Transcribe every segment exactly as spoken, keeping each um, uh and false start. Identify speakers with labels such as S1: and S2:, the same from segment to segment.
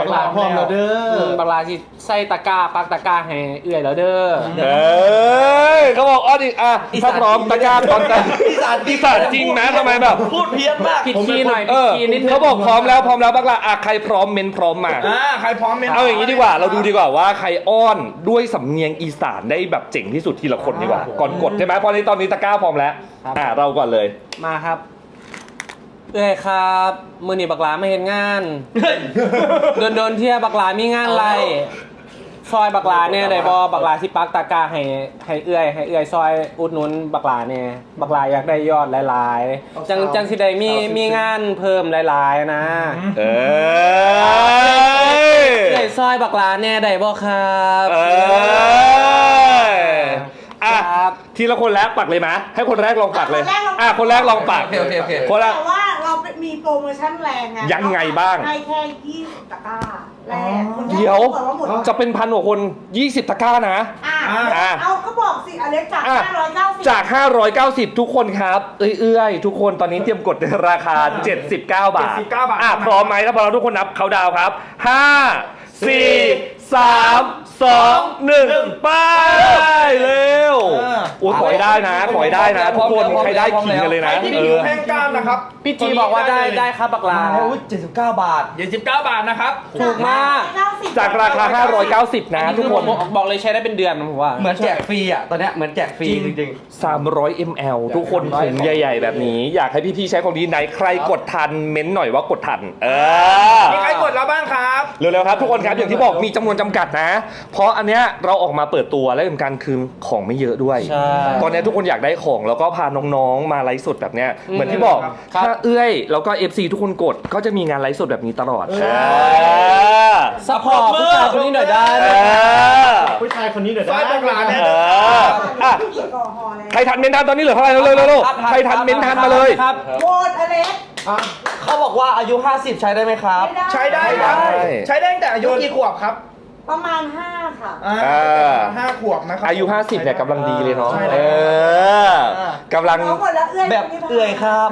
S1: บักลาพร้อมแล้วเด้อบักลาที่ใส่ตะกร้าปักตะกร้าให้เอื่อยแล้วเด้อ
S2: เอ้ยเขาบอกอ้อดิอ่ะถ้าพร้อมตะกร้าตอนกันอีสานอีสานจริงนะทำไมแบบ
S3: พูดเพี้ยนมาก
S1: ผิดคีย์หน่อยผิดคีย์นิดนึง
S2: เขาบอกพร้อมแล้วพร้อมแล้วบักลาอ่ะใครพร้อมเมนพร้อมมา
S3: อ่าใครพร้อมเมน
S2: เอาอย่างนี้ดีกว่าเราดูดีกว่าว่าใครอ้อนด้วยสำเนียงอีสานได้แบบเจ๋งที่สุดทีละคนดีกว่าก่อนกดใช่ไหมพอนี้ตอนนี้ตะกร้าพร้อมแล้วอ่ะเราก่อนเลย
S1: มาครับเอ้ยครับมือหนีบักหลาไม่เห็นงานโดนโดนเที่ยบักหลามีงานอะไรซอยบักหลาเนี่ยได้บอบักหลาที่ปักตะกร้าให้ให้เอื้อยให้เอื้อยซอยอุดหนุนบักหลาเนี่ยบักหลาอยากได้ยอดหลายๆจังจังสิได้มีมีงานเพิ่มหลายๆนะ
S2: เอ
S1: อเอื้อยซอยบักหลาเนี่ยได้บอครับ
S2: เอออ่ะทีละคนแรกปักเลยไหมให้คนแรกลองปักเลยอ่ะคนแรกลองปัก
S3: โอเคโอเค
S2: คนแรก
S4: แต่ว่าเรามีโปรโมชั่นแรงไง
S2: ยังไงบ้าง
S4: ให้แค่ยี่สิบตะกร้าแรก
S2: เดี๋ยวจะเป็นพันกว่าคนยี่สิบตะกร้านะ
S4: อ่าเอาก็บอกสิอเล็กจากห้าร้อยเก้าสิบ
S2: จากห้าร้อยเก้าสิบทุกคนครับเอื้อยๆทุกคนตอนนี้เตรียมกดในราคาเจ็ดสิบเก้าบาทอ่ะพร้อมไหมถ้าพร้อมทุกคนนับเขาดาวครับห้า สี่ สาม สอง หนึ่งไปเร็วโอ้ขอให้ได้นะขอให้ได้นะทุกคนใครได้ขิงกันเลยนะ
S3: เออแพงกล้ามนะครับ
S1: พี่จีบอกว่าได้ได้ครับบักลา
S3: เจ็ดสิบเก้าบาทเจ็ดสิบเก้าบาทนะครับ
S1: ถูกมาก
S2: จากราคาห้าร้อยเก้าสิบนะทุกคน
S1: บอกเลยใช้ได้เป็นเดือนผมว่า
S3: เหมือนแจกฟรีอ่ะตอนนี้เหมือนแจกฟรีจริง
S2: ๆสามร้อยมิลลิลิตร ทุกคนถุงใหญ่ๆแบบนี้อยากให้พี่ๆใช้ของดีไหนใครกดทันเม้นหน่อยว่ากดทันเออ
S3: มีใครกดแล้วบ้างครับ
S2: เร็วๆครับทุกคนครับอย่างที่บอกมีจำนวนจำกัดนะเพราะอันเนี้ยเราออกมาเปิดตัวและสำคัญคือของไม่เยอะด้วยตอนนี้ทุกคนอยากได้ของแล้วก็พาน้องๆมาไลฟ์สดแบบเนี้ยเหมือนที่บอกถ้าเอื้อยแล้วก็ เอฟ ซี ทุกคนกดก็จะมีงานไลฟ์สดแบบนี้ตลอด
S1: ซัพพอร์ตผู้ชายคนนี้หน่อยได้
S3: ผู้ชายคนนี้หน่อยได้
S2: ใครทันเมนทันตอนนี้เหลือเท่าไหร่เร็วๆใครทันเมนทันมาเลย
S4: โหวตอเล็ก
S3: เขาบอกว่าอายุห้าสิบใช้ได้ไหมครับใช้ได้ครับใช้ได้ตั้งแต่อายุกี่ขวบครับ
S4: ประมาณห้าค่ะ
S3: ห้าขวบนะครับ
S2: อายุห้าสิบเนี่ยกำลังดีเลยเนาะเออกำลัง
S3: แบบเอื่อยครับ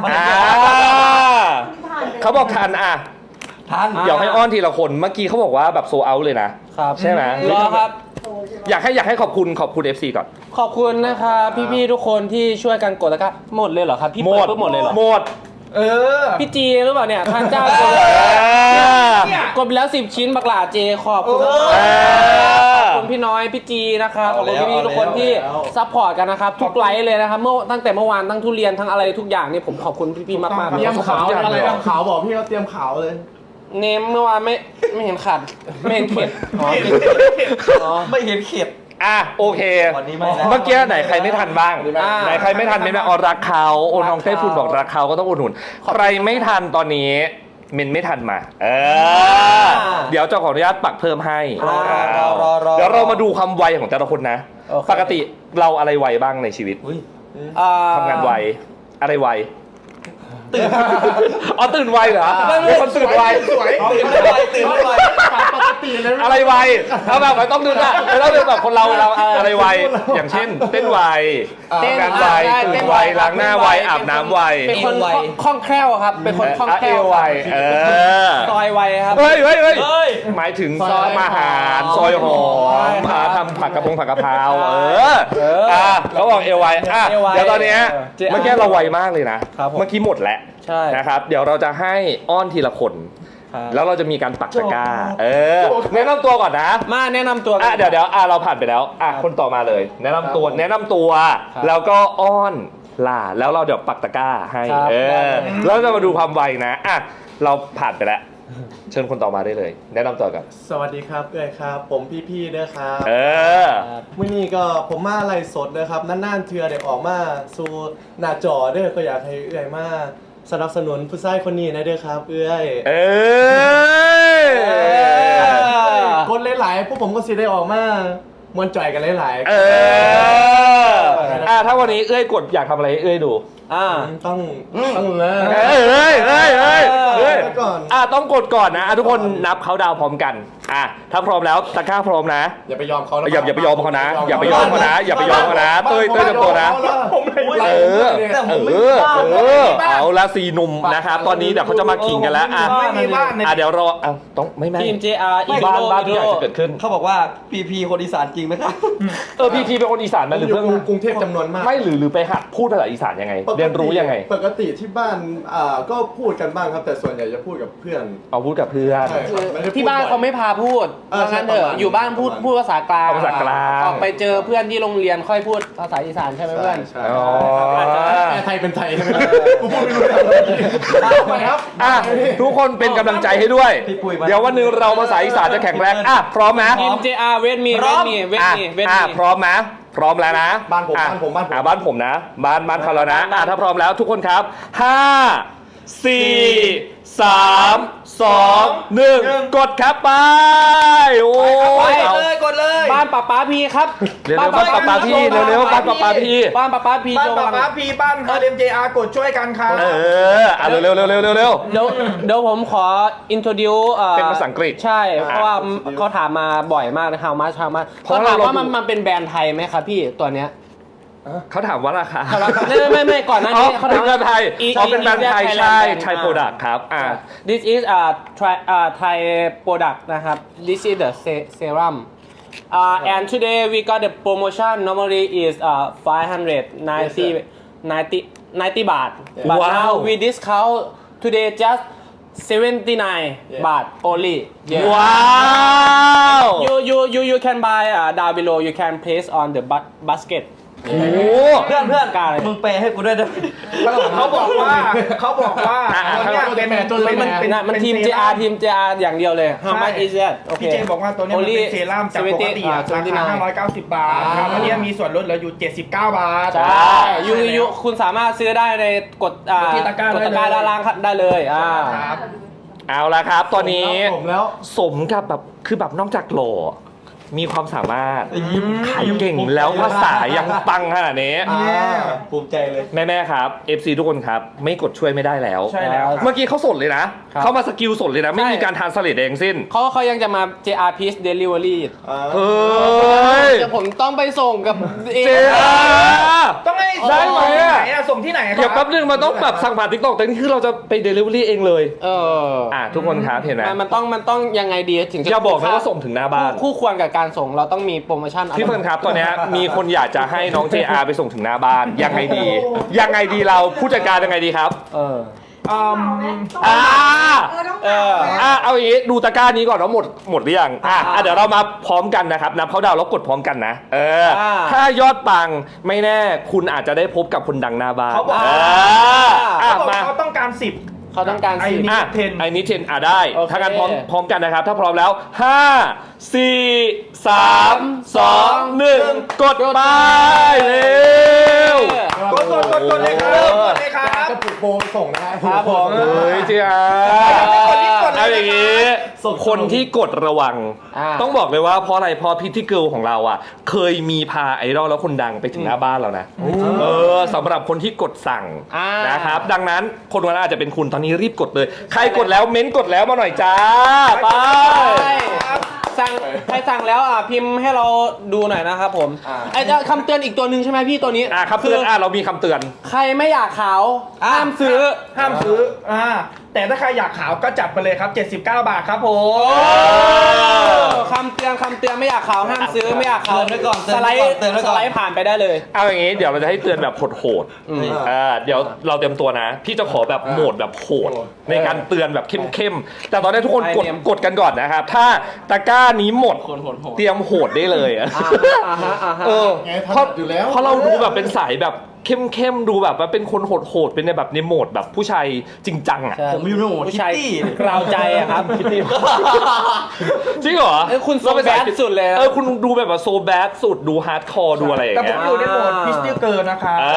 S2: เขาบอกทันอ่ะ
S3: ทัน
S2: เดี๋ยวให้อ้อนทีละคนเมื่อกี้เขาบอกว่าแบบโซเอาเลยนะใช่ไหม
S1: รอครับ
S2: อยากให้อยากให้ขอบคุณขอบคุณ เอฟ ซี ก่อน
S1: ขอบคุณนะครับพี่ๆทุกคนที่ช่วยกันกดแล้วก็หมดเลยเหรอครับพี่เปิดปุ๊บหมดเลยเหรอ
S2: หมด
S1: เออพี่จีหรือเปล่าเนี่ยท่านเจ้าเกดไปแล้วสิบชิ้นบักหลาเจขอบคุณขอบคุณพี่น้อยพี่จีนะครับขอบคุณพี่ๆทุกคนที่ซัพพอร์ตกันนะครับทุกไลฟ์เลยนะครับเมื่อตั้งแต่เมื่อวานทั้งทุเรียนทั้งอะไรทุกอย่างนี่ผมขอบคุณพี่ๆมากๆ
S3: เตรียมขาวอะไรเตรียมขาวบอกพี่เขาเตรียมขาวเลย
S1: เนมเมื่อวานไม่ไม่เห็นขัดไม่เห็นเข็ด
S3: ไม่เห็นเข็ด
S2: อ่ะโอเคเมื่อกี้ไหนใครไม่ทันบ้างไหนใครไม่ทันเมนต์ออรักเขาโอน้องเต้ฝุ่นบอกรักเขาก็ต้องอุดหนุนใครไม่ทันตอนนี้เมนไม่ทันมาเออเดี๋ยวเจ้าขออนุญาตปักเพิ่มให้เดี๋ยวเรามาดูความไวของแต่ละคนนะปกติเราอะไรไวบ้างในชีวิตทำงานไวอะไรไวตื่นอ๋อตื่นไวเหรอเป็นคนตื่นไว
S3: สวยตื่นไวตื่นไวปกติเลย
S2: อะไรไวเอาแบบไม่ต้องดูนะไม่ต้องดูแบบคนเราเราอะไรไวอย่างเช่นเต้นไวทำงานไวตื่นไวล้างหน้าไวอาบน้ำไว
S1: เป็นคนคล่องแคล่วครับเป็นคนคล่องแคล่ว
S2: ไวเออ
S1: ซอยไวครับ
S2: เฮ้ยเฮ้ยเฮ้ยหมายถึงซอยอาหารซอยหอมพาทำผักกระพงผักกะเพราเอออ่ะเขาบอกเอวไวอ่ะเดี๋ยวตอนนี้เมื่อกี้เราไวมากเลยนะเมื่อกี้หมดแล้วนะครับเดี๋ยวเราจะให้อ้อนทีละคนแล้วเราจะมีการปักตะกร้าเออแนะนำตัวก่อนนะ
S1: มาแนะนำตัว
S2: อ่ะเดี๋ยวเดี๋ยวอ่ะเราผ่านไปแล้วอ่ะคนต่อมาเลยแนะนำตัวแนะนำตัวแล้วก็อ้อนล่าแล้วเราเดี๋ยวปักตะกร้าให้เออแล้วจะมาดูความไวนะอ่ะเราผ่านไปแล้วเชิญคนต่อมาได้เลยแนะนำตัวกัน
S5: สวัสดีครับเอ้ยครับผมพี่ๆเด้อครับ
S2: เออ
S5: มื้อนี้ก็ผมมาไลฟ์สดเด้อครับนานๆเทื่อได้ออกมาสู่หน้าจอเด้อก็อยากให้เอ้ยมาสนับสนุนผู้ชายคนนี้นะเด้อครับเอ้ย
S2: เอ
S5: อกดหลายๆพวกผมก็สิได้ออกมามวนจ่อยกันหลายๆ
S2: เอออ่ะถ้าวันนี้เอ้ยกดอยากทำอะไรเอ้ยดู
S5: อ่าต้องต้องเลย
S2: เฮ้ยเฮ้ยเฮ้ยเฮ้ยเฮ้ยอ่ะต้องกดก่อนนะทุกคนนับเขาดาวพร้อมกันอ่ะถ้าพร้อมแล้วตะกร้าพร้อมนะ
S5: อย่าไปยอมเขานะ
S2: อย่าอย่าไปยอมเขานะ อย่าไปยอมเขานะ อย่าไปยอมเขานะเต้ยเต้ยเตรียมตัวนะ
S5: ผมไม่
S2: เออ
S3: แต่ผมไม่
S2: เออ
S3: บ้า
S2: เออเอาละสี่หนุ่มนะครับตอนนี้เดี๋ยวเขาจะมาขิงกันแล้วอ่ะ
S3: ไม่มีบ้านใน
S2: อ่ะเดี๋ยวรออ่ะต้องไม่ไม่
S1: ทีม เจ อาร์ อี
S2: บ้าน
S1: โร
S2: บ้าน
S1: อี
S2: ที่อยาก
S1: โร
S2: จะเกิดขึ้น
S3: เขาบอกว่าพีพีคนอีสานจริงไหมครับ
S2: เออพีทีเป็นคนอีสานไหมหรือ
S5: อยู่
S2: เพิ่ง
S5: กรุงเทพจำนวนมาก
S2: ไม่หรือหรือไปหัดพูดภาษาอีสานยังไง เรียนรู้ยังไง
S5: ปกติที่บ้านอ่าก็พูดกันบ้างครับ แต่ส่วนใหญ่จะพูดกับเพื่อน
S2: เอาพูดกับเพื่อน
S5: ใช่ครับไม่ได้พูด
S1: ที่บ้านเขาไม่พาพูด
S5: เออ
S1: ว่างั้นเถอะ
S5: ใช่ประมาณ
S1: อยู่บ้านพูด
S5: ประมาณ
S1: พูดภาษากลาง
S2: เอาภาษากลาง
S1: ออกไปเจอเพื่อนที่โรงเรียนค่อยพูดภาษาอีสานใช่ไหมเพื่อน
S5: ใช่
S2: อ๋อ
S5: แม่ไทยเป็นไทยใช่ไหมกูพูดไม่รู้เรื่องเลยไปครับ
S2: อ่ะทุกคนเป็นกำลังใจให้ด้วย
S3: พี่ปุ้ยมา
S2: เดี๋ยววันหนึ่งเราภาษาอีสานจะแข็งแรงอ่ะพร้อมไหม
S1: ทีม เจ อาร์ เวทมี
S3: พ
S1: เว
S3: ร้อ
S1: ท
S3: ม
S1: มีเวท
S2: อ่ะ
S1: มีเวท
S2: อ่ะ
S1: มี
S2: พร้อมนะพร้อมแล้วนะ
S5: บ้านผม
S2: อ่ะ
S5: บ้านผมบ้านผม
S2: อ่ะบ้านผมนะ บ้านบ้านเขาแล้วนะอ่ะถ้าพร้อมแล้วทุกคนครับห้าสี่สามสองหนึ่งกดครับไปโอ้
S3: ไป
S2: ยเอา
S3: เลยกดเลย
S1: บ้านป้าป้าพีครับ
S2: เร็วๆบ้านป้าป้าพี่เร็วๆบ้านป้าป้าพี่
S1: บ้านป้าป้าพี
S3: บ้าน
S1: โจ
S3: ป้า
S1: วัง
S3: ป้าพีบ้านเอ็มเจอาร์กดช่วยกันครับ
S2: เอออ่ะเร็วๆเร็วๆเร็วๆเร็วๆเร็ว
S1: เดี๋ยวเดี๋ยวผมขอ introduce อ่อ
S2: เป็นภาษาอังกฤษ
S1: ใช่ เพราะว่าเขาถามมาบ่อยมากนะ how much how much
S2: เพ
S1: เขา
S2: ราะ
S1: ถาม
S2: เรา
S1: ว่ามัน
S2: ดู
S1: มันเป็นแบรนด์ไทยไหมครับพี่ตัวเนี้ย
S2: เขาถามว่าราคา
S1: ไม่ไม่ไม่ไม่ก่อนหน้า
S2: อ๋อ
S1: นี้เขา
S2: เป็
S1: ถาน ม
S2: แบรนด์ไทย
S1: อี
S2: อ๋อเป็นแบรนด์ไทย
S1: อี
S2: ใช่
S1: Thailand
S2: ไทย
S1: brand
S2: โปรดักต์ครับอ่า
S1: this is a Thai uh, Thai product นะครับ this is the se- serum uh, and today we got the promotion normally is uh, five hundred ninety ninety ninety บาท but
S2: ว้าว
S1: now we discount today just seventy-nine บาท only yeah.
S2: ว้าว
S1: you you you you can buy uh, down below you can place on the bu- basket
S2: โอ้
S3: เพื่อนเพื่อน
S1: กล้าเลย
S3: มึงแปลให้กูด้วยนะเขาบอกว่าเขาบอกว่าตัวเนี้ยเป็นเป็นมันเป็น
S1: นะมันทีม
S3: เป็น
S1: เจ
S3: เซ
S1: อา
S3: รั่
S1: ร์ ทีม เจ อาร์ อย่างเดียวเลย how
S3: ใช่
S1: much is that โอเค
S6: พี่เจบอกว่าตัวเนี้ยมันเป็นเซรั่มจากปกติอะราคาห้าร้อยเก้าสิบบาทครับอันเนี้ยมีส่วนลดเหลืออยู่เจ็ดสิบเก้าบาท
S1: ใช่ยูยูคุณสามารถซื้อได้ในกดอ่าก
S6: ดที่ตะกร้าก
S1: ดตะกร้า
S6: ได้เลย
S1: ด้านล่างได้เลยอ่า
S6: ครับ
S2: เอาละครับ ตอนนี้
S5: ผมแล้ว
S2: สมกับแบบคือแบบนอกจากหล่อมีความสามารถขายเก่งแล้วภาษายังปังขนาดนี้
S5: อ่าภูมิใจเลย
S2: แม่ๆครับ เอฟ ซี ทุกคนครับ ไม่กดช่วยไม่ได้แล้ว
S6: ใช่แล้วครับ
S2: เมื่อกี้เขาสดเลยนะ
S1: ครับ
S2: เขามาสกิลสดเลยนะ ไม่
S1: ใช่
S2: มีการทานสลิดเองสิ้น
S1: เขาเขายังจะมา เจ อาร์ Peace Delivery
S5: อ่า
S2: เฮ้ย
S1: เดี๋ยวผมต้องไปส่งกับเอ
S2: เจ๊อ่ะ
S6: ต้องให้
S2: ได้
S6: ส่ง
S2: ไหม
S6: ที่
S2: อะ
S6: ไหนอะส่งที่ไหนค
S2: เดี๋ยว
S6: รั
S2: แป๊บนึงมันต้องแบบสั่งผ่านทิกตอกแต่นี่คือเราจะไปเดลิเวอรี่เองเลย
S1: เออ
S2: อ่ะทุกคนครับเห็นไหม
S1: มันมันต้องมันต้องยังไงดีถึงจะ
S2: อย่าบอกนะว่าส่งถึงหน้าบ้าน
S1: คู่คู่ควรกับการส่งเราต้องมีโปรโมชั่นอะไร
S2: พี่เฟิร์นครับตอนเนี้ยมีคนอยากจะให้น้อง เจ อาร์ ไปส่งถึงหน้าบ้านยังไงดียังไงดีเราผู้จัดการยังไงดีครับ
S1: เออ
S6: อืม
S2: อ่า
S4: เออต้อง
S1: เอ
S4: ถาม
S1: อ
S4: แล้ว
S2: อ่ะเอาอย่างงี้ดูตะกร้านี้ก่อนว่าหมดหมดหรือยังอ่ะอ่ะเดี๋ยวเรามาพร้อมกันนะครับนับเขาดาวน์แล้วกดพร้อมกันนะเอออา ถ้ายอดปังไม่แน่คุณอาจจะได้พบกับคนดังหน้าบ้าน
S6: เขาบอก
S2: เอออ่ะ
S6: เขาบอก
S2: มา
S6: เขาต้องการสิบ
S1: เขาต้องการ
S6: ไอ้
S1: สิ
S6: นี่
S2: อ่ะ
S6: เทน
S2: ไอ้นี้เทนอ่ะได้
S1: โอเค
S2: ถ้างั้นพร้อมพร้อมกันนะครับ ถ้าพร้อมแล้วห้าสี่สามสองหนึ่งกดไปเร็ว
S6: กดกดกดกดเลยครับกดเลยครับ
S5: จะปลุกโบไปส่งนะฮะ
S1: ครับผม
S2: เฮ้ยเจ้า
S6: กดรีบกดเลยนะครับ
S2: เอาอย่างงี้
S5: ส่ง
S2: คนที่กดระวัง
S1: อ่า
S2: ต้องบอกเลยว่าเพราะอะไรเพราะพิธีเกิลของเราอ่ะ เคยมีพาไอดอลแล้วคนดังไปถึงหน้าบ้านแล้วนะ เออสำหรับคนที่กดสั่ง
S1: อ่า
S2: นะครับ ดังนั้นคนวันนั้นอาจจะเป็นคุณตอนนี้รีบกดเลย ใครกดแล้วเม้นต์กดแล้วมาหน่อยจ้าไป
S1: ใช่สั่งใครสั่งแล้วอ่ะพิมพ์ให้เราดูหน่อยนะครับผม
S5: อ่า
S1: ไอ้เจ้าคำเตือนอีกตัวหนึ่งใช่ไหมพี่ตัวนี้
S2: อ่ะครับเตือนอ่ะเรามีคำเตือน
S1: ใครไม่อยากขาวห้ามซื้อ
S6: ห้ามซื้ออ่าแต่ถ้าใครอยากขาวก็จัดไปเลยครับเจ็ดสิบเก้าบาทครับผม
S1: คำเตือนคำเตือนไม่อยากขาวห้ามซื้อไม่อยากขาว
S3: เตือนไว้ก่อนเตื
S1: ส
S3: อน
S1: ไล
S3: ไว้ก่อน
S1: ด์
S3: เตือนไว้
S1: ส
S3: ก่อน
S1: ไลด์ผ่านไปได้เลย
S2: เอาอย่างงี้เดี๋ยวเราจะให้เตือนแบบโหดๆ
S1: อืม
S2: อ่าเดี๋ยวเราเตรียมตัวนะ พี่จะขอแบบโหมดแบบโหดในการเตือนแบบเข้มๆแต่ตอนนี้ทุกคนกด
S1: ไอเนียม
S2: กดกันก่อนนะครับ ถ้าตะกร้านี้หมดเตรียมโหดได้เลยอะ
S1: อ่าฮะอ่าฮะ
S2: เออ
S5: ไงถ
S2: เพราะ
S5: นัดอยู่แล้ว
S2: เพราะเราดูแบบเป็นสายแบบเข้มๆดูแบบว่าเป็นคนโหดๆเป็นในแบบในโหมดแบบผู้ชายจริงจังอ่ะ
S1: ใช่
S3: ผมอยู่ในโหมด
S1: ผู้ชาย
S3: คิตตี้
S1: กราวใจอะครับ
S2: จริงเหรอ
S1: เอ้ยคุณโซ
S2: เราเป็นสาย
S1: แบดสุดเลยนะ
S2: เออคุณดูแบบว่าโซแบดสุดดูฮาร์ดคอร์ดูอะไรอย่าง
S6: แต่ผ
S2: เงี้
S6: ม
S2: ย
S6: อยู่ในโหมดพิสติลเกินนะครับ
S2: เอ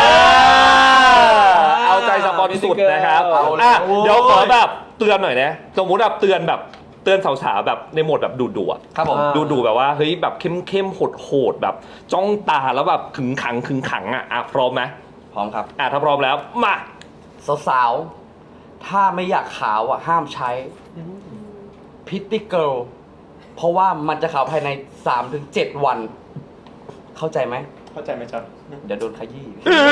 S2: อเอาใจสปอนสุดนะครับ
S1: เอาเลย
S2: อ่ะเดี๋ยวขอแบบเตือนหน่อยนะสมมุติแบบเตือนแบบเตือนสาวๆแบบในโหมดแบบดุดุๆอะ
S3: ครับผม
S2: ดูดูแบบว่าเฮ้ยแบบเข้มเข้มโหดโหดๆแบบจ้องตาแล้วแบบขึงขังขึงขังอ่ะอ่ะพร้อมไหม
S3: พร้อมครับ
S2: อ่ะถ้าพร้อมแล้วมา
S3: สาวๆ ถ้าไม่อยากขาวอ่ะห้ามใช้พิตตี้เกิลเพราะว่ามันจะขาวภายใน สามถึงเจ็ด วัน เข้าใจไหม
S5: เข้าใจไหมจ๊ะ
S3: เดี๋ยวโดนขยี้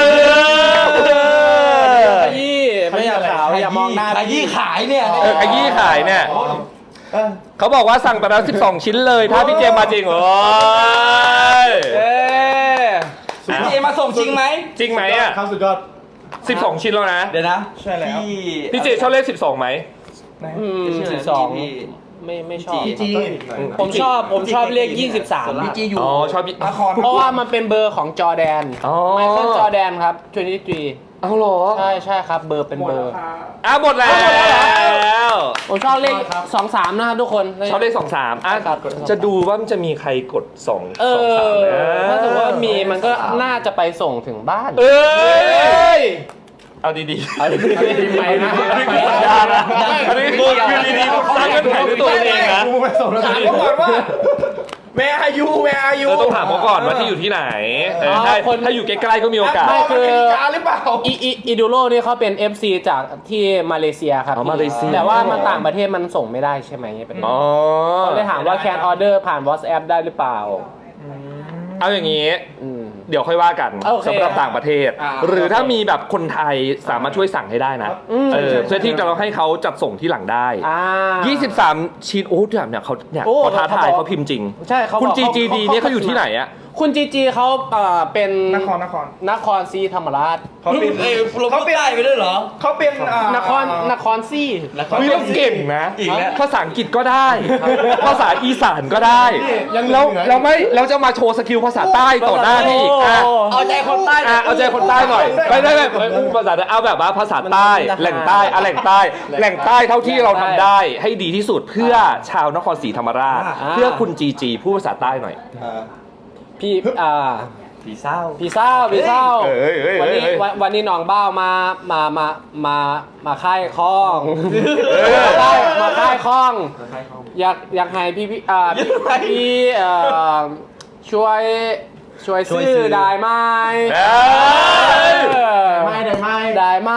S1: ขยี้ไม่อยากขาวอย่ามองหน้า
S3: ขยี้ขายเนี่ย
S2: เออขยี้ขายเนี่ย
S5: เออ
S2: เขาบอกว่าสั่งไปแล้วสิบสองชิ้นเลย ถ้าพี่เจมมาจริงโอ้ย
S1: เอ๊ะ
S3: พี่เอมาส่งจริงไหม
S2: จริงไหมอ่ะ
S5: ครับสุดยอด
S2: สิบสองชิ้นแล้วนะ
S3: เดี๋ยวนะ
S6: ใช่แล้ว
S3: พี่
S2: พี่เจชอบเลขสิบสองไหม
S1: อืม
S3: ชื่
S1: สิ
S3: ะ
S1: บ
S3: ไร
S1: สอง
S3: พี่
S1: ไม่ไม่ชอบ
S3: พี่จี
S1: ผมชอบผมชอบเลขยี่สิบสาม
S3: พี่จีอยู่
S2: อ๋อชอบ
S6: นคร
S1: เพราะว่ามันเป็นเบอร์ของจอร์แดน
S2: อ๋อ
S1: ไมเคิลจอร์แดนครับทเวนตี้ทรี
S2: เอาเหรอ
S1: ใช่ใช่ครับ เบอร์เป็นเบอร์
S2: อ่ะหมดแล้ว
S1: ผมชอบเลขสองสามนะครับทุกคน
S2: ชอบเลขสองสามอ่ะ
S1: ครับ
S2: จะดูว่ามันจะมีใครกดสอง
S1: เอ
S2: สองสาม
S1: อ
S2: นะ
S1: ถ้าสมมติว่ามีมันก็น่าจะไปส่งถึงบ้าน
S2: เอ้ย เอาดีๆ
S1: เอาดีๆไปนะ
S2: นี่คือสัญญานะอันนี้คืออยู่ดีๆสร้างเงื่อนไขด้วยตัวเองนะ
S6: ถามเขาก่อนว่าแม่อายุแม่อายุ
S2: เออต้องถามเขาก่อนว่าที่อยู่ที่ไหนเออถ้าถ้าอยู่ใกล้ๆก็มีโอกาส
S6: ไม่คือหรือเปล่า
S1: อีอีอีดูโรนี่เขาเป็น เอฟ ซี จากที่มาเลเซียครับ
S2: อ๋อมาเลเซีย
S1: แต่ว่ามันต่างประเทศมันส่งไม่ได้ใช่ไหมเป็น
S2: อ๋อ
S1: เขาเลยถามว่าแคนออเดอร์ผ่าน WhatsApp ได้หรือเปล่า
S2: เอาอย่างนี้
S1: อืม
S2: เดี๋ยวค่อยว่ากัน
S1: โอเค
S2: สำหรับต่างประเทศ
S3: อ่า
S2: หรือถ้ามีแบบคนไทยสามารถช่วยสั่งให้ได้นะ
S1: อืม
S2: เออเพื่อที่จะเราให้เขาจัดส่งที่หลังได้
S1: อ่า
S2: ยี่สิบสามชิ้นโอ้แบบเนี่ยเขาเนี่ย
S1: โอ้
S2: เขาท้าทาย
S1: เขาบอก
S2: เขาพิมพ์จริง
S1: ใช่เขาบอก
S2: คุณ
S1: เขา
S2: จีจีดีเนี่ยเขาอยู่ที่ไหนอะ
S1: คุณจีจีเขาเอ่อเป็น
S6: นครนคร
S1: นครศรีธรรมราช
S6: เขาเป็น
S3: เอ้ยเขาไปได้ไปด้วยเหรอ
S6: เขาเป็นอ่าน
S1: ครนครศรี
S2: เฮ้ยเราเก่งนะ
S3: อีกแล้ว
S2: ภาษาอังกฤษก็ได้ ภาษาอีสานก็ได้
S5: ยัง
S2: เรา
S5: เหลือ
S2: เราไม่เราจะมาโชว์สกิลภาษาใต้ต่อหน้านี่อีกอ่ะ
S3: เอาใจคนใต้
S2: อ่ะเอาใจคนใต้หน่อยไม่ไม่ไม่ไม่ภาษาเอาแบบว่าภาษาใต้แหล่งใต้อ่ะแหล่งใต้แหล่งใต้เท่าที่เราทำได้ให้ดีที่สุดเพื่อชาวนครศรีธรรมราช เพื่อคุณจีจีพูดภาษาใต้หน่อย
S5: อ่า
S1: พี่อ่า
S3: ผีเศร้า
S1: พี่เศร้าพี่เศร้า
S2: เอ้ยเอ้ย
S1: วันนี้
S2: เอ้ย
S1: วันวันนี้น้องเบ้ามามามามามาค่ายคล้อง
S2: เออ
S1: มาค่ายมาค่ายคล้อง อยากอยากให้พี่พี่อ่าพี่พี่เอ่อช่วยช่วย
S3: ช่วย
S1: ซื้
S3: ซื้
S1: อ
S3: อ
S1: ได้ไหม
S2: เอ้ย
S1: เออ
S5: ไม่ได้ไม่
S1: ได้ไหม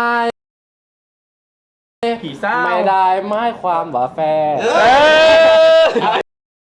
S6: ผีเศร้า
S1: ไม่ได้ไม่ความว่าแฟน
S2: เอ้ย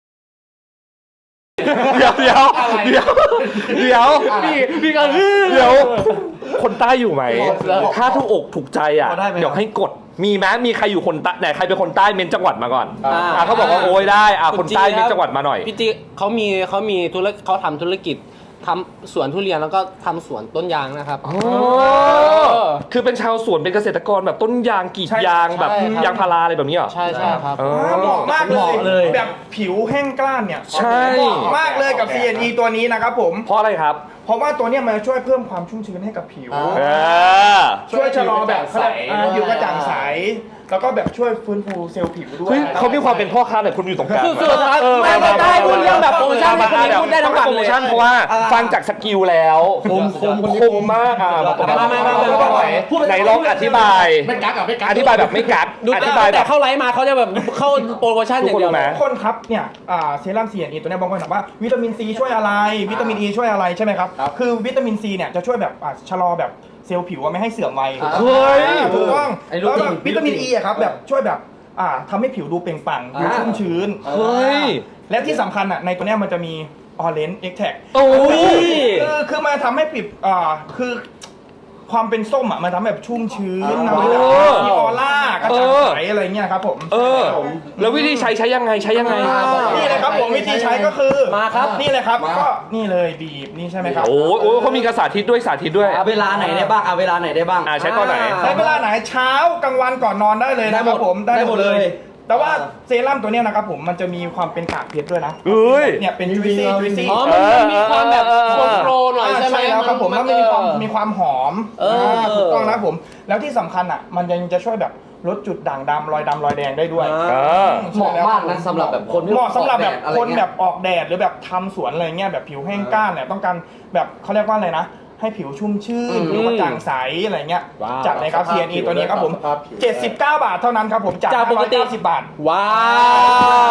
S2: เดี๋ยวเดี๋ยวเดี๋ยวเดี๋ยว
S1: พี่พี่ก็
S2: เดี๋ยว คนใต้อยู่ไหม ถ้าถูกอกถูกใจอ่ะ
S3: ได้ไหม
S2: เดี๋ยวให้กด มีไหมมีใครอยู่คนใต้ไหนใครเป็นคนใต้เม้นจังหวัดมาก่อน
S1: อ่า
S2: อ่ะเขาบอกว่าโอ้ยได้ อ่ะคนใต้เม้นจังหวัดมาหน่อย
S1: พี่จีเขามีเขามีธุรเขาทำธุรกิจทำสวนทุเรียนแล้วก็ทำสวนต้นยางนะครับ
S2: อ๋อ คือเป็นชาวสวนเป็นเกษตรกรแบบต้นยางกรีดยางแบบ
S1: ใช่ครับ
S2: ยางพาราอะไรแบบนี้เหรอ
S1: ใช่ใช่ครับ
S2: เออ
S6: เหมาะมาก
S3: เหมาะ
S6: เล
S3: เลย ย
S6: แบบผิวแห้งกล้านเนี่ย
S2: ใช่
S6: เหมาะมากเลยกับ ซี เอ็น อี ตัวนี้นะครับผม
S2: เพราะอะไรครับ
S6: เพราะว่าตัวเนี้ยมันจะช่วยเพิ่มความชุ่มชื้นให้กับผิว
S2: เออ
S6: ช่วยชะลอแบบ
S3: ใส
S6: อ่าผิวกระจ่างใส แล้วก็แบบช่วยฟื้นฟูเซลล์ผิวด้ว
S2: เฮ้
S6: ย
S2: ยเขามีความเป็นพ่อค้าแต่คุณอยู่ตรงกลาง
S1: สุดๆครับ
S2: เออ
S1: ไม่ไม่ได้พูดเรื่องแบบโปรโมชั่นให้คนนี้พูดได้ทั้งวัน
S2: โปร
S1: เล
S2: โม
S1: ย
S2: ชั่นเพราะว่าฟังจากสกิลแล้วคมคมคมมากอ่ะ
S1: มามามามามา
S2: ไหนลองอธิบาย
S5: ไม่กักอ่ะไม่กัก
S2: อธิบายแบบไม่กัก
S1: ดู
S2: อธิบายแบ
S1: แต่
S2: บ
S1: เข้าไลฟ์มาเขาจะแบบเข้าโปรโมชั่นอย่างเดียว
S2: ทุกคนรู้ไหม
S6: ทุกคนครับเนี่ยอ่าเซรั่ม ซี เอ็น อี ตัวเนี้ยบางคนถามว่าวิตามินซีช่วยอะไร วิตามินอีช่วยอะไรใช่ไหมครับ คือวิตามินซีเนี่ยจะช่วยแบบอ่าชะลอแบบเซลล์ผิวอะไม่ให้เสื่อมวัย
S2: เฮ้ย
S6: ถูกต้อง
S3: ไอ้รู้
S6: แล้ว
S3: จริ
S6: แบ
S3: ง
S6: บวิตามินอีอะครับแบบช่วยแบบอ่าทำให้ผิวดูเปล่งปลั่งดูชุ่มชื้น
S2: เฮ้ย
S6: และที่สำคัญอ่ะในตัวเนี้ยมันจะมีออเรนจ์เอ็กแท็ก
S2: โอ้ย
S6: คือคือมันทำให้ปิดอ่าคือความเป็นส้มอ่ะมันทำให้แบบชุ่มชื้นทำให้แบบ
S2: เออ
S6: มีออร่ากระจ่างใสอะไรเงี้ยครับผม
S2: เออ แล้ววิธีใช้ใช้ยังไงใช้ยังไง
S6: นี่เลยครับผมวิธีใช้ก็คือ
S1: มาครับ
S6: นี่เลยครับก็นี่เลยบีบนี่ใช่ไหมครับ
S2: โอ้ยโอ้ยเขามีกระสาธิตด้วยสาธิตด้วย
S3: เอาเวลาไหนได้บ้างเอาเวลาไหนได้บ้าง
S2: อ่าใช้ตอนไหน
S6: ใช้เวลาไหนเช้ากลางวันก่อนนอนได้เลยนะครับผม
S3: ได้หมดเลย
S6: แต่ว่าเซรั่มตัวเนี้ยนะครับผมมันจะมีความเป็นกากเพชรด้วยนะ
S2: เอ้ย
S6: เนี่ยเป็นจุยซี่จุยซี่
S1: อ๋อมันมันมีความแบบโปรโปรหน่อยใช่ไหม
S6: แล้วครับผมแล้วมันมีความมีความหอม
S1: เอออ่
S6: าถูกต้องนะครับผม แล้วที่สำคัญอ่ะ มันยังจะช่วยแบบลดจุดด่างดำรอยดำรอยแดงได้ด้วย
S2: เออ
S3: เหมาะมากนะสำหรับแบบคนที่
S6: เหมาะสำหรับแบบ
S3: ออกดดอะไร
S6: คน
S3: เงี้ย
S6: แบบออกแดดหรือแบบทำสวนอะไรเงี้ยแบบผิวแห้งก้านเนี่ยต้องการแบบเขาเรียกว่าอะไรนะ ให้ผิวชุ่มชื่น
S1: อืม
S6: ผิวกระจ่างใสอะไรเงี้ย
S1: ว้าว
S6: จัดเลยครับ ซี เอ็น อี ตัวนี้ครับผม เจ็ดสิบเก้า บาทเท่านั้นครับผมจาก
S1: จากปกติ
S6: ห้าร้อยเก้าสิบบาท
S1: ว้าวติ๊ง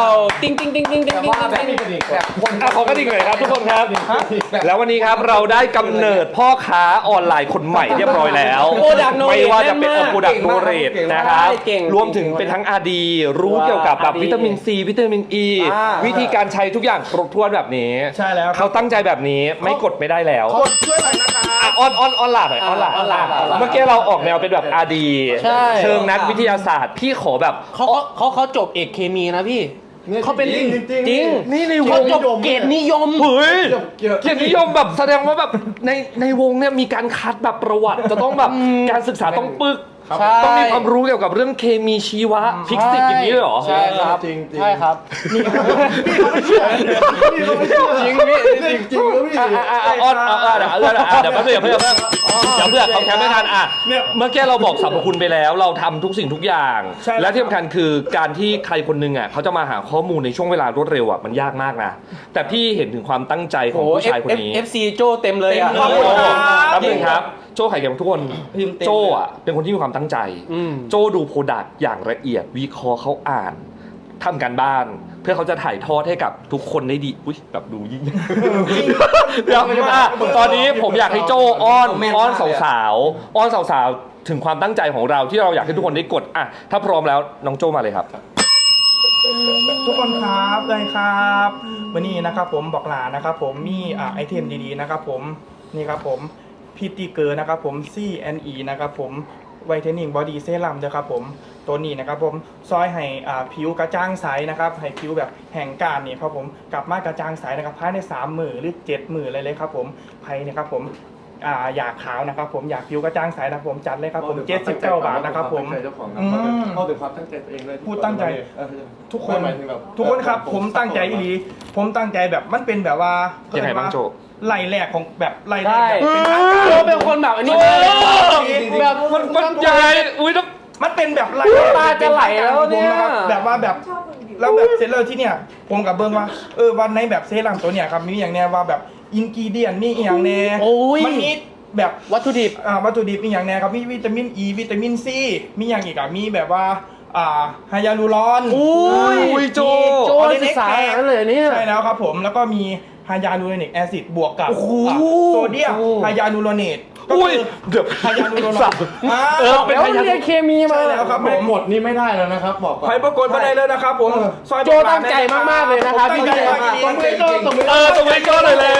S1: ติ๊งติ๊งติ๊งติ๊งติ๊งติ๊ง
S3: ว่าแบบมีกระดิ่งแบบคน
S2: อ่ะขอกระดิ่งหน่อยครับทุกคนครับ แล้ววันนี้ครับเราได้กำเนิดพ่อค้าออนไลน์คนใหม่เรียบร้อยแล้ว
S1: โปรดักโนเรท
S2: ไม่ว่าจะเป็นโปรดักโนเรท
S3: เก่งมาก
S2: นะครับ
S1: เก่ง
S2: รวมถึงเป็นทั้ง อาร์ ดี รู้เกี่ยวกับแบบวิตามินซีวิตามินอ e, ี
S1: อ่า
S2: วิธีการใช้ทุกอย่างครบถ้วนแบบนี้
S6: ใช่แล้ว
S2: เขาตั้งใจแบบนี้ไม่กดไม่ได้แล้ว
S6: กดช่วยหน่อยนะคะ
S2: อ่ะออนออนออนหลาดหน่อยออนหลาด
S1: ออนหลาดออนหลาด
S2: เมื่อกี้เราออกแนวเป็นแบบ อาร์ ดี
S1: ใช่
S2: เชิงนักวิทยาศาสตร์พี่ขอแบบ
S1: เขาเขาเขาเขาจบเอกเคมีนะพี่เขาเป็น
S5: จริงจริง
S1: จริง
S2: นี่ในว
S1: เขา
S2: ง
S1: จบเกรดนิยม
S2: เฮ้ย
S5: เกี่ยว
S2: เกียรตินิยมแบบแสดงว่าแบบในในวงเนี่ยมีการคัดแบบประวัติ จะต้องแบบการศึกษาต้องปึก
S1: ใช่
S2: ต้องมีความรู้เกี่ยวกับเรื่องเคมีชีวะฟิสิกส์อย่างนี้เลยเหรอ
S1: ใช่ครับ
S5: จริงจริง
S1: ใช่ครับ
S5: จริงพี่จริงจริงแล้วพี่
S2: อ่ะอ่ะอ่ะอ่ะอ่อนอ่ะอ่ะเดี๋ยวเดี๋ยวเดี๋ยวเดี๋ยวเพื่อนเพื่อนเดี๋ยวเพื่อนเขาแคปไม่ทันอ่ะเมื่อกี้เราบอกสรรพคุณไปแล้ว เราทำทุกสิ่งทุกอย่าง
S6: ใช่แล้ว
S2: และที่สำคัญคือการที่ใครคนหนึงอ่ะเขาจะมาหาข้อมูลในช่วงเวลารวดเร็วอ่ะมันยากมากนะแต่พี่เห็นถึงความตั้งใจของผู้ชายคนนี้
S1: เอฟซีโจเต็มเลยอ่ะ
S6: ขอบคุณครับ
S2: แป๊บนึงครับโจ้ไข่แกงทุกคน
S3: พิมพ์เต็ม
S2: โจ้อะเป็นคนที่มีความตั้งใจ
S1: อืม
S2: โจ้ดูโปรดักต์อย่างละเอียดวิเคราะห์เขาอ่านทำการบ้าน เพื่อเขาจะถ่ายทอดให้กับทุกคนได้ดีอุ้ยแบบดูยิ่งเดี๋ยวอ่ะตอนนี้ผมอยากให้โจ้อ้อนอ้อนสาวๆอ้อนสาวๆถึงความตั้งใจของเราที่เราอยากให้ทุกคนได้กดอ่ะถ้าพร้อมแล้วน้องโจ้มาเลยครับ
S6: ทุกคนครับเลยครับวันนี้นะครับผมบอกหลานะครับผมมีอ่าไอเทมดีๆนะครับผมนี่ครับผมพีตีเกอร์นะครับผม ซี แอนด์ อี นะครับผมไวท์เทนนิ่งบอดี้เซรั่มนะครับผมตัวนี้นะครับผมซอยให้อ่าผิวกระจ่างใสนะครับให้ผิวแบบแห้งกร้านนี่ครับผมกลับมากระจ่างใสนะครับภายในสามมื้อหรือเจ็ดมื้อเลยเลยครับผมไผนะครับผมอ่าอยากขาวนะครับผมอยากผิวกระจ่างใสนะครับผมจัดเลยครับผมเจ็ดสิบเก้าบาทนะครับผม
S5: เจ้าของ
S6: อืม
S5: เข้าถึงความตั้งใจตัวเองเลย
S6: พูดตั้งใจ ทุกคน
S5: หมายถึงแบบ
S6: ทุกคนครับผมตั้งใจอีหลีผมตั้งใจแบบมันเป็นแบบว่า
S2: ยังไงบ้างโจ
S6: ไล่แรกของแบบไล่แร
S1: ใช่
S6: กแบบเป็นทางการ
S1: โจเป็นคนแบบอันนี้
S2: โอ้
S1: แบบ
S2: มันบรรยายอุ้ยต้อง
S6: มันเป็นแบบไล่
S1: ตาจะไหลแล้วเนี่ย
S6: แบบว่าแบบ
S4: ชอบมึงดิว
S6: แล้วแบบเสร็จแล้วที่เนี่ยผมกับเบิ้งว่าเออวันในแบบเซรั่มตัวเนี่ยครับมีอย่างแน่ว่าแบบอินกิเดียนมีอหย่างแน่
S1: โอ้ย
S6: มันมีแบบ
S1: วัตถุดิบ
S6: อ่าวัตถุดิบมีอย่างแน่ครับมีวิตามินอีวิตามินซีมีอย่างอีกอ่ะมีแบบว่าอ่าไฮยาลูรอน
S1: อุ้ย
S2: อุ้ยโจ
S1: โจศึกษาอย่างนั้นเลยเนี่ย
S6: ใช่แล้วครับผมแล้วก็มีไฮยาลูโรนิกแอซิดบวกกับ
S1: โอ้โห
S6: อ่ะโซเดียมไฮยาลูโรเนตก็
S2: อุ้ย
S6: คือ
S2: เดี๋ยว
S6: ไฮยาลูโรเนตอ่า
S2: เออเป็น
S1: แล้ว
S2: พยาน
S1: เรียนเคมีมา
S6: ใช่แล้วครับผ
S5: ไม่
S6: ม
S5: กดนี่ไม่ได้แล้วนะครับบอกก่อน
S6: ใครปรากฏมาได้เลยนะครับผมซอย
S1: โจตั้งใจมากๆเลยนะครับพี่
S6: ตั้งใจ
S1: พี่
S6: มากจริงๆ
S2: เออตรงนี้โจ้หน่อยแล้ว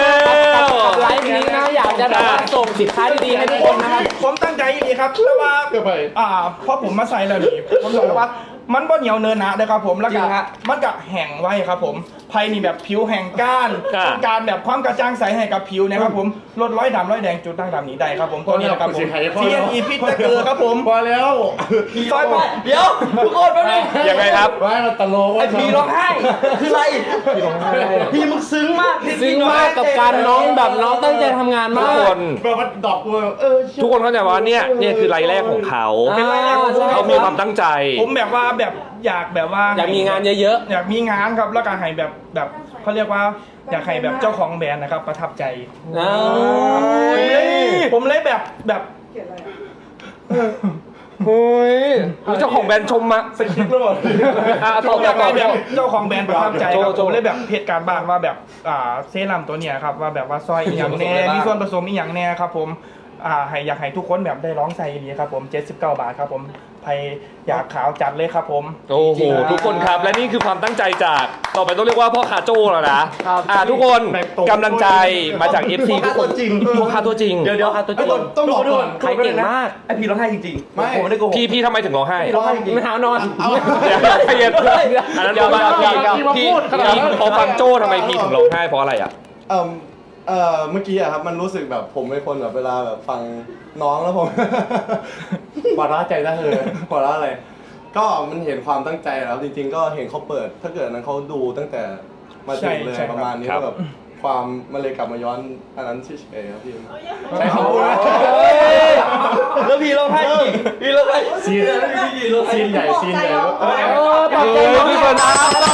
S1: ไลฟ์นี้นะอยากจะแบบว่าส่งสินค้าดีๆให้ทุกคนนะครับ
S6: ผมตั้งใจดีครับแต่ว่า
S5: เดี๋ยวไป
S6: อ่าพอผมมาใส่แล้วนี่ผมบอกเลยว่ามันบ่เหนียวเนินหนะนะครับผมแล้ว
S3: จริ
S6: ก็
S3: งฮะ
S6: มันก็แห้งไว้ครับผมภายนี่แบบผิวแห้งก้าน
S2: อ่า
S6: ต้องการแบบความกระจ่างใสให้กับผิวนะครับผมลดร้อยดำร้อยแดงจุดด่างดำนี้ได้ครับผมตัวนี้นะครับผม ซี เอ็น อี พิษตะเกือครับผม
S5: พอแล้ว
S6: ซอยผม
S3: เดี๋ยวทุกคนแป๊บนึง
S2: ยังไงครับ
S5: ไว้เราตลก
S3: ไอพีร้องไห้คืออะไรพี่มึงซึ้งมาก
S1: ซึ้งมากกับการน้องแบบน้องตั้งใจทำงาน
S2: ทุ
S1: มาก
S2: คน
S5: แบบว่าดอกบัวเออ
S2: ทุกคนเข้าใจว่าเนี่ยเนี่ยคือรายแรกของเขา
S1: เป็นรายแรกของเขา
S2: เขามีความตั้งใจ
S6: ผมแบบว่าแบบอยากแบบว่า
S1: อยากมีงานเยอะ
S6: อยากมีงานครับแล้วก็ให้แบบแบบเขาเรียกว่าอยากให้แบบเจ้าของแบรนด์นะครับประทับใจ
S1: ๆนะ
S6: ผมเลยผมเลยแบบแบบ
S4: เขียนอะไรอะ
S2: โอ้ยเจ้าของแบรนด์ชมมา
S6: สกิปแล้วหมด
S2: อ่ะ
S6: ผ
S2: ต่อ
S6: มอยาก
S2: ต่อ
S6: ให้แบบเจ้าของแบรนด์ประทับใจครับ
S2: โจโจ
S6: ผมเลยแบบเพจการบ้านว่าแบบอ่าเซรั่มตัวเนี้ยครับว่าแบบว่าซอยอีหยังแน่มีส่วนผสมอีหยังแน่ครับผมอ่าให้อยากให้ทุกคนแบบได้ร้องใส่ดีครับผมเจ็ดสิบเก้าบาทครับผมใครอยากขาวจัดเลยครับผม
S2: โอ้โหทุกคนครับและนี่คือความตั้งใจจากต่อไปต้องเรียกว่าพ่อคาโจ้แล้วนะอ่าทุกคนกำลังใจมาจาก เอฟ ซี ทุกคนจริงพ่อคาตัวจริง
S3: เดี๋ยวเดี๋ยว
S1: ตัวจริง
S5: ต้องบอกก่อน
S1: ใครเก่งมาก
S3: ไอพีร้องไห้จริงๆ
S5: ไม่
S3: ผมไม่ได้โกหก
S2: พี่พี่ทำไมถึงร้องไห้
S3: พี่ร้องไห้จริง
S1: ไม่หาวนอน
S2: เดี๋ยวใจเย็นอันนั้นมาพี่พี่พี่พอฟังโจ้ทำไมพี่ถึงร้องไห้เพราะอะไรอ่ะ
S5: เอ่อเอ่อเมื่อกี้อะครับมันรู้สึกแบบผมเป็นคนแบบเวลาแบบฟังน้องแล้วผม หัวเราะใจได้เลยหัวเราะอะไร ก็มันเห็นความตั้งใจแล้วจริงๆ ก็เห็นเขาเปิด ถ้าเกิดนั้นเขาดูตั้งแต่มาถึงเลยประมาณนี้
S2: ครับ
S5: ก็แบบความมันเลยกลับมาย้อนอันนั้นเฉยๆครับพี่ใช้คำพูดนะ
S3: แล้วพี่ร้องไห้จริงพี่ร้องไห้
S5: ซีนซีนใหญ่ซีนใหญ่เออ
S1: เออปรับใจน้อง
S2: พี่
S1: ก่
S2: ค
S1: อน
S2: น
S1: นะ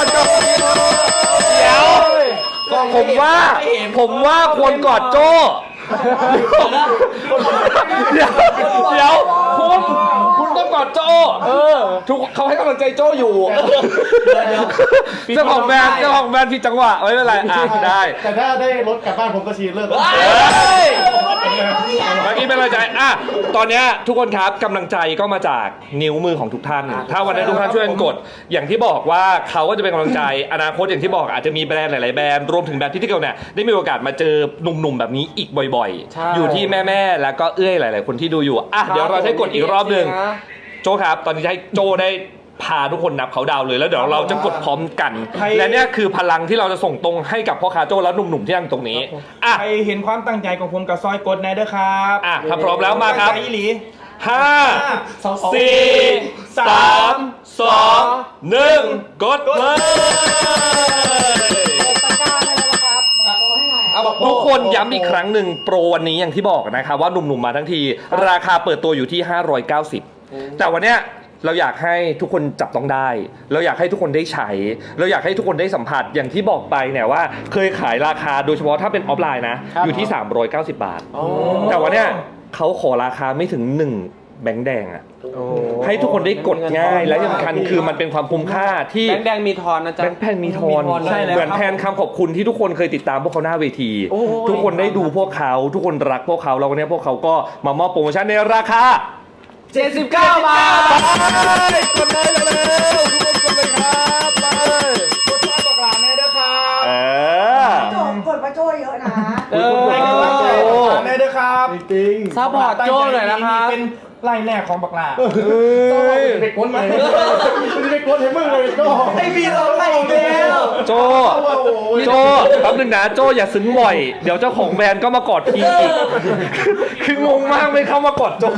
S2: เดี๋ยวผมว่าผมว่าควรกอดโจ้เดี๋ยวเดี๋ยวคุณคุณต้องกอดโจเออทุกเขาให้กำลังใจโจอยู่
S3: เดี๋ยว
S2: เจ้าของแบรนด์เจ้าของแบรนด์ผิดจังหวะไม่เป็นไรอ่ะได้
S5: แต่ถ้าได้รถกลับบ้านผมก็ชีเลิก
S2: เฮ้ยเมื่อกี้เป็นกำลังใจอ่ะตอนเนี้ยทุกคนครับกำลังใจก็มาจากนิ้วมือของทุกท่าน ถ้าวันนี้ทุกท่านช่วยกันกด อย่างที่บอกว่าเขาก็จะเป็นกำลังใจอนาคตอย่างที่บอกอาจจะมีแบรนด์หลายๆแบรนด์รวมถึงแบรนด์ที่ที่เกี่ยวเนี่ยได้มีโอกาสมาเจอหนุ่มๆแบบนี้อีกบ่อย
S1: ใช่
S2: ๆ อยู่ที่แม่ๆแล้วก็เอื้อยหลาย ๆ คนที่ดูอยู่อ่ะเดี๋ยวเราจะให้กดอีกรอบหนึ่งโจครับตอนนี้จะให้โจได้พาทุกคนนับเขาดาวเลยแล้วเดี๋ยวเราจะกดพร้อมกัน และเนี่ยคือพลังที่เราจะส่งตรงให้กับพ่อค้าโจและหนุ่มๆที่นั่งตรงนี้อ่ะ
S6: ใครเห็นความตั้งใจของผมกับซอยกดแน่เด้อครับ
S2: อ่ะถ้าพร้อมแล้วมาครับ
S6: ตั้งใจอีหลี
S2: ห้าสี่สามสองหนึ่งกดเลย
S3: เอาบอก
S2: ทุกคนย้ำอีกครั้งหนึ่งโปรวันนี้อย่างที่บอกนะครับว่าหนุ่มๆมาทั้งที ราคาเปิดตัวอยู่ที่ห้าร้อยเก้าสิบแต่วันเนี้ยเราอยากให้ทุกคนจับต้องได้ เราอยากให้ทุกคนได้ใช้ เราอยากให้ทุกคนได้สัมผัสอย่างที่บอกไปเนี่ยว่าเคยขายราคาโดยเฉพาะถ้าเป็นออฟไลน์นะอยู่ที่สามร้อยเก้าสิบบาทแต่วันเนี้ยเขาขอราคาไม่ถึงหนึ่งแบงค์แดงอะให้ทุกคนได้กดง่ายและที่สำคัญคือมันเป็นความคุ้มค่าที่
S1: แบงค์แดงมีทอนนะจ๊ะ
S2: แบงค์แพนมีทอน
S1: ใช่แล้ว
S2: เหมือนแทนคำขอบคุณที่ทุกคนเคยติดตามพวกเขาหน้าเวที ทุกคนได้ดูพวกเขาทุกคนรักพวกเขาแล้ววันนี้พวกเขาก็มามอบโปรโมชั่นในราคา
S1: เจ็ดสิบเก้าบาท
S2: กดเลยเร็วๆทุกคนกดเลยครับไป
S6: กดซอยบอกหลานแน่เด้อครับ
S2: เออ
S4: โจกดมาโจเยอะนะ
S1: เออ
S6: ให้กำลังใจบอกหลานแน่เด้อครับ
S5: จริง
S1: ซัพพอร์ตโจ้หน่อยนะครับ
S6: เป็นไล่แรกของบักหลา
S5: ไปก้นมาคุณจะไปก้นให้มึงเลยก็
S3: ไอ้บีเราไล่อีกแล้ว
S2: โจโจแป๊บนึงนะโจอย่าซึ้งบ่อย เดี๋ยวเจ้าของแบรนด์ก็มากอดทีอีก คืองงมากไม่เข้ามากอดโจ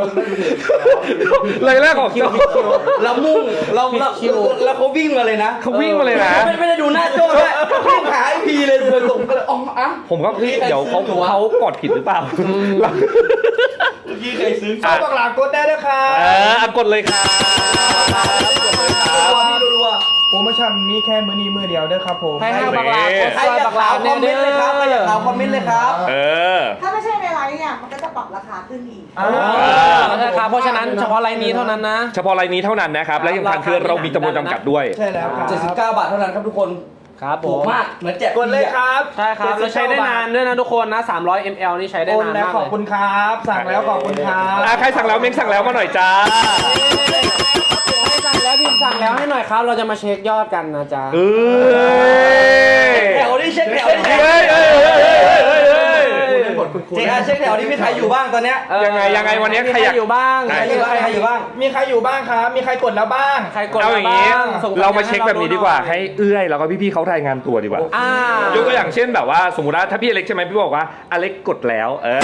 S2: เลยแรกของโจ
S3: เรามุ่งเราเราแล้วเขาวิ่งมาเลยนะ
S2: เขาวิ่งมาเลยนะ
S3: ไม่ไม่ได้ดูหน้าโจ้ด้วยวิ่งหาไอพีเลยเลยส่งก็เลยอ๋ออ่ะ
S2: ผมก็พี่เดี๋ยวเขาเขากดผิดหรือเปล่า
S3: ยี่เคยซื้อ
S6: ซอยบอกหลานกดแน่เด้อครับ
S2: เอออ่ะกดเลยครับกดเลยครับ
S3: ตัวพี่รัว
S6: โปรโมชั่นมีแค่มื้อนี้มื้อเดียวเด้อครับผม
S1: ให้ห้าบักลา
S2: เฮ้ย
S1: กด
S3: ๆใคร
S1: ซอย
S3: อยา
S1: บั
S3: ก
S1: กลา
S3: ข่าวคอมเมนต์เลยครับใครอยากข่าวคอมเมนต์เลยครับ
S2: เออ
S4: ถ้าไม่ใช่ในไลน์เนี่ยมันก็จะปรับราคาขึ้นอีก
S6: อ่า
S1: ใช่ครับเพราะฉะนั้นเฉพาะไลน์นี้เท่านั้นนะ
S2: เฉพาะรายนี้เท่านั้นนะครับ และยังคันคือเรามีจำนวนจำกัดด้วย
S6: ใช่แล้วครับ
S3: เจ็ดสิบเก้าบาทเท่านั้นครับทุกคน
S1: ครับผ
S3: ถูก
S1: ม
S3: มากเหมือนแจก
S6: กดเลยครับ
S1: ใช่ครับแล้วใช้ได้นานด้วยนะทุกคนนะสามร้อยมิลลิลิตร นี่ใช้ได้
S6: โอน
S1: นาน
S6: แล้ว
S1: มาก
S6: ขอบ
S1: เล
S6: คุณ
S1: ย
S6: ครับ สั่งแล้วขอบคุณครับ
S2: อ่ะใครสั่งแล้วเม้งสั่งแล้วมาหน่อยจ้า
S1: ให้สั่งแล้วพิมพ์สั่งแล้วให้หน่อยครับ เราจะมาเช็คยอดกันนะจ๊ะ
S2: เอ้ย
S3: แถวนี้เช็คแถวนี้
S2: เฮ้ยเฮ้ยเฮ้ยเฮ้ยเฮ้ยเฮ้ย
S3: เจ๊อาเช็คแถวนี้มีใครอยู่บ้างตอนเนี้ย
S1: เออ
S2: ยังไงยังไงวันนี้
S1: มี
S2: ใครอยาก
S1: อยู่บ้าง
S2: ไหน
S3: ใครอยู่บ้างใครอยู่บ้าง
S6: มีใครอยู่บ้างครับ มีใครกดแล้วบ้าง
S1: ใครกด
S2: เอาอย่างนี้
S1: บ้างส่ง
S2: เรามาเช็คแบบนี้ดีกว่า
S1: หน่อย
S2: ให้เอื้อยแล้วก็พี่ๆเขารายงานตัวดีกว่า
S1: อ่าย
S2: กตัวอย่างเช่นแบบว่าสมมติว่าถ้าพี่อเล็กใช่ไหมพี่บอกว่าอเล็กกดแล้ว เออ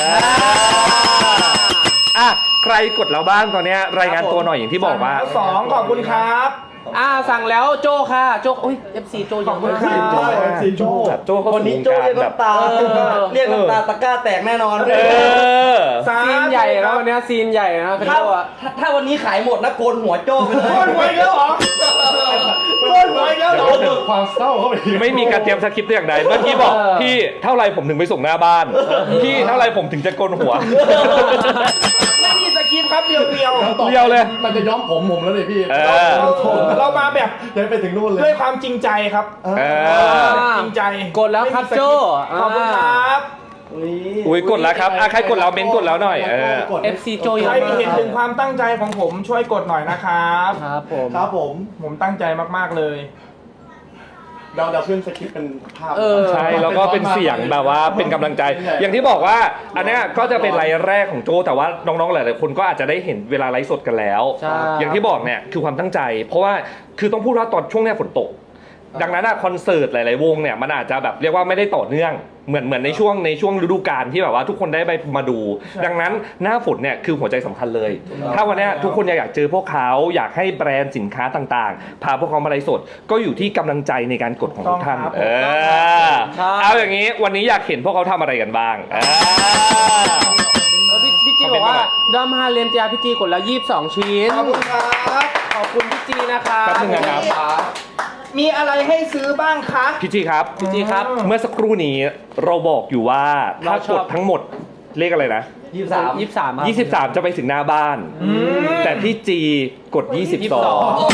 S2: อ่ะใครกดแล้วบ้างตอนเนี้ยรายงานตัวหน่อยอย่างที่บอกว่า
S6: สองขอบคุณครับ
S1: อ่าสั่งแล้วโจค่ะโจอุ้ย เอฟ ซี โจเยอะมาก
S6: ขอบคุณครับ
S5: สีโจ้
S2: แบบโจ้เขา
S3: วันนี้
S2: สู่
S3: โจ้
S2: วง
S3: เรียก
S2: การแบบ
S3: น้ำตาเรียกน้ำตาตะกร้าแตกแน่นอน
S2: เออ
S6: สาม
S1: ซีนใหญ่แล้ววันเนี้ยซีนใหญ่นะเป็น
S3: ถ้า
S1: โจอะ
S3: ถ้าถ้าวันนี้ขายหมดนะโกนหัวโจ้ไปเลย
S6: โอนหวยแล้วเหรอโอนหวยแล้วเหรอ
S5: เกิดความเศร้าเข้าไปอีก
S2: ไม่มีการเตรียมสคริปต์แต่อย่างใดเมื่อกี้บอกพี่เท่าไรผมถึงไปส่งหน้าบ้าน พี่เท่าไรผมถึงจะโกนหัว
S6: ไม่มีสคริปต์ครับเรียวเรียว
S2: เรียวเลย
S5: มันจะย้อมผมผมแล้วเลยพี่
S2: เออ
S6: เรามาแบบ
S5: ยังไปถึงนู่นเลย
S6: ด้วยความจริงใจครับ
S2: เออ
S6: จริงใจ
S1: กดแล้วครับโจ
S6: ขอบคุณครับ
S2: อุ้ยกดแล้วครับอ่ะใครกดแล้วเม้นกดแล้วหน่อยเออ
S1: เอฟ ซี โจเย
S6: ใค
S1: อะ
S6: ร
S1: มาก
S6: เห็นถึงความตั้งใจของผมช่วยกดหน่อยนะครับ
S1: ครับผม
S5: ครับผม
S6: ผมตั้งใจมากๆเลย
S5: เราเราขึ้นสคริปต์เป็นภาพ
S1: เออ
S2: ใช่แล้วก็เป็นเสียงแบบว่าเป็นกำลังใจ อย่างที่บอกว่าอันเนี้ยก็จะเป็นไลฟ์แรกของโจแต่ว่าน้องๆหลายๆคนก็อาจจะได้เห็นเวลาไลฟ์สดกันแล้ว
S1: ใช่
S2: อย่างที่บอกเนี่ยคือความตั้งใจ เพราะว่าคือต้องพูดว่าตอนช่วงเนี้ยฝนตก ดังนั้นอะคอนเสิร์ตหลายๆวงเนี่ยมันอาจจะแบบเรียกว่าไม่ได้ต่อเนื่องเหมือนเหมือนในช่วงในช่วงฤดูกาลที่แบบว่าทุกคนได้ไปมาดู ดังนั้นหน้าฝนเนี่ยคือหัวใจสำคัญเลย ถ้าวันเนี้ยทุกคนอยากเจอพวกเขาอยากให้แบรนด์สินค้าต่างๆ พาพวกเขามาไลฟ์สดก็อยู่ที่กำลังใจในการกดของทุกท่าน
S6: ต้องครับ
S2: เออเอาอย่างนี้วันนี้อยากเห็นพวกเขาทำอะไรกันบ้างเออ
S1: แล้วพี่พี่จีบอกว่าดอมฮาเลมจ้าพี่จีกดแล้วยี่สิบสองชิ้น
S6: ขอบคุณครับ
S1: ขอบคุณพี่จีนะครับ
S2: แป๊บนึงนะครับ
S6: มีอะไรให้ซื้อบ้างคะ
S2: พี่จีครับ
S1: พี่จีครับ
S2: เมื่อสักครู่นี้เราบอกอยู่ว่าถ้า
S1: เราช
S2: ก
S1: อบ
S2: ดทั้งหมดเลขอะไรนะ
S3: ยี่สิบสาม
S1: ยี่สิบสามครับ
S2: ยี่สิบสามจะไปถึงหน้าบ้าน แต่พี่จีกดยี่สิบสอง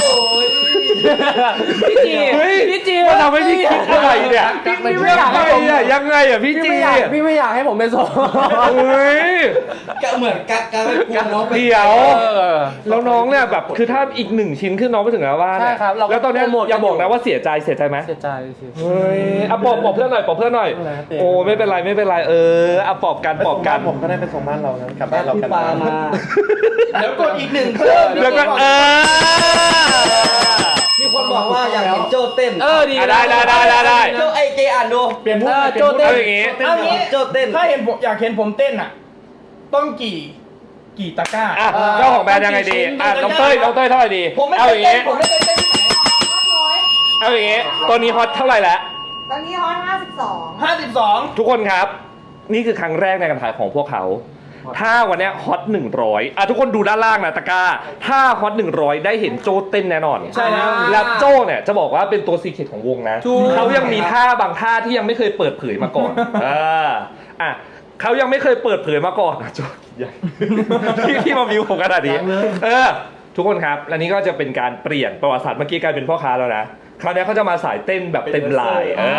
S1: พี่จี
S2: เฮ้ย
S1: พี่จี
S2: มันทำให้พี่คิดอะไรเนี่ย
S1: พี่พี่ไม่อยากให้ผม
S2: อะยังไงอ่ะพี่
S1: พี่
S2: จี
S1: ไม่อยากพี่ไม่อยากให้ผมเป็นโสด
S2: เฮ้ย
S3: ก็เหมือนกักกักกลัวน้องไป
S2: เดี๋ยว
S1: เออ
S2: แล้วน้องเนี่ยแบบคือถ้าอีกหนึ่งชิ้นขึ้นน้องไปถึงหน้าบ้านเนี่ย
S1: ใช่ครับเราก็
S2: แล้วตอนเนี้ย
S1: โปรโมทกัน
S2: อย่าบอกนะว่าเสียใจเสียใจไหม
S1: เสียใจสิ
S2: เฮ้ยอ่ะปอบปอบเพื่อนหน่อยปอบเพื่อนหน่อย
S1: อะไรนะเตียง
S2: โอ้ไม่เป็นไรไม่เป็นไรเอออ่ะปอบกันปอบกัน
S5: ผมก็ได้ไปส่งบ้านเรานะกลับบ้านเรา
S3: พี่
S5: กัน
S3: ปามา
S6: เดี๋ยวกดอีกหนึ่งเพิ่ม
S2: แล้วก็เออ
S3: มีคนบอกว่าอยากเห็นโจ้เต้น
S1: เออดี
S2: อ่ะได้ได้ได้ได้ได้
S3: โจ้ไอเจอ่านดู
S5: เปลี่ยนมุก
S1: เออ
S5: เปลี่ยนมุก
S1: โจ้เต้น
S2: เอาอย่างงี้
S6: เอางี้
S3: โจ้เต้น
S6: ถ้าเห็นผมอยากเห็นผมเต้นอ่ะ ต้องกี่กี่ตะกร้า
S2: อ่ะเจ้าของแบรนด์ยังไงดีอ่ะน้องเต้ยน้องเต้ยเท่าไหร่ดี
S3: ผมไม่
S2: เอา
S3: เค
S2: อย ย่าง
S3: เต้น
S2: งี้
S3: ผมไม่เคยเต้นที่ไหน
S4: ร้อย
S2: เอาอย่างงี้ตัวนี้ฮอตเท่าไหร่แล้ว
S4: ตอนนี้ฮอตห้าสิบสอง
S6: ห้าสิบสอง
S2: ทุกคนครับ นี่คือครั้งแรกในการขายของพวกเขา ถ้าวันเนี้ยฮอตหนึ่งร้อยอ่ะทุกคนดูด้านล่างนะตะกร้า ถ้าฮอตหนึ่งร้อยได้เห็นโจเต้นแน่นอน
S6: ใช่แล้ว
S2: แล้วโจเนี่ยจะบอกว่าเป็นตัวซีเคร็ตของวงนะ
S1: ถูก
S2: เขายังมีท่าบางท่าที่ยังไม่เคยเปิดเผยมาก่อนเอออ่ะเขายังไม่เคยเปิดเผยมาก่อน โจใหญ่ที่ที่มาวิวผมขนาดนี้เออ ทุกคนครับและนี่ก็จะเป็นการเปลี่ยนประวัติศาสตร์เมื่อกี้กลายเป็นพ่อค้าแล้วนะคราวนี้เขาจะมาสายเต้นแบบเต็มลายเออ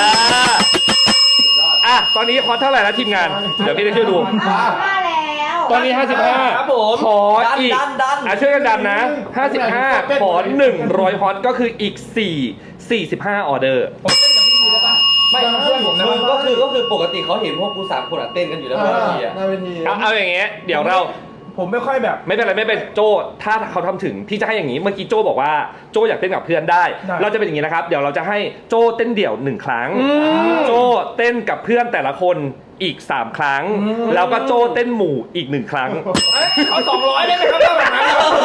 S2: อ่ะตอนนี้ฮอตเท่าไหร่แล้วทีมงาน เดี๋ยวพี่จะช่วยดู
S4: ห้าสิบห้าแล้ว
S2: ตอนนี้ ห้าสิบห้า
S6: ครับผม
S2: ขออีก
S3: ดันดัน
S2: อ่ะช่วยกันดันนะ ห้าสิบห้า ขอหนึ่งร้อยฮอตก็คืออีกสี่ สี่สิบห้าออเดอร์
S6: ผมเต้นกับพี่ทีได้ปะ
S3: ไม่เพื่อนผมนะมึงก็คือก็คือปกติเขาเห็นพวกกูสามคนอะเต้นกันอยู่แล้วบนเวทีอะ
S5: หน้าเวที
S2: เอาเอาอย่างเงี้ยเดี๋ยวเรา
S6: ผมไม่ค่อยแบบ
S2: ไม่เป็นไรไม่เป็นโจถ้าเขาทำถึงพี่จะให้อย่างนี้ เมื่อกี้โจบอกว่าโจอยากเต้นกับเพื่อนได้
S6: ได้
S2: เราจะเป็นอย่างนี้นะครับ เดี๋ยวเราจะให้โจเต้นเดี่ยวหนึ่งครั้ง โจเต้นกับเพื่อนแต่ละคนอีกสามครั้ง แล้วก็โจเต้นหมู่อีกหนึ่งครั้ง
S6: เอ้ยเอาสองร้อยได้ไหมครับถ้าแบบนั้น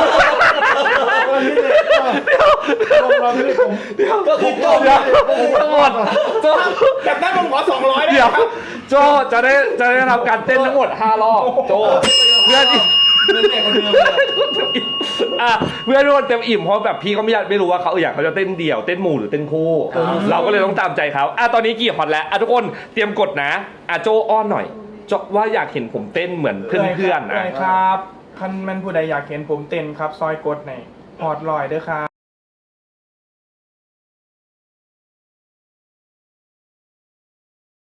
S3: ก็คือโจ้
S2: เดี๋ยวทั้งหมดโจ
S6: แบบนั้นผมขอสองร้อยได้ไหม
S2: เดี๋ยว
S6: ครับ
S2: โจจะได้จะได้ทำการเต้นทั้งหมดห้ารอบโจเพื่อนที่
S3: เรื่องแรกคนเดิมเลย
S2: อ่ะเพื่อนทุกคนเต็มอิ่มเพราะแบบพี่ก็ไม่อยากไม่รู้ว่าเขาอยากเขาจะเต้นเดี่ยวเต้นหมู่หรือเต้นคู่ เราก็เลยต้องตามใจเขาอ่ะตอนนี้กี่ฮอตแล้วอ่ะทุกคนเตรียมกดนะอ่ะโจอ้อนหน่อยโจว่าอยากเห็นผมเต้นเหมือนเพื่อนๆ
S6: ได้
S2: นะ
S6: ครับคันแมันผู้ใดอยากเห็นผมเต้นครับ ซอยกดในพอดลอยเด้อครับ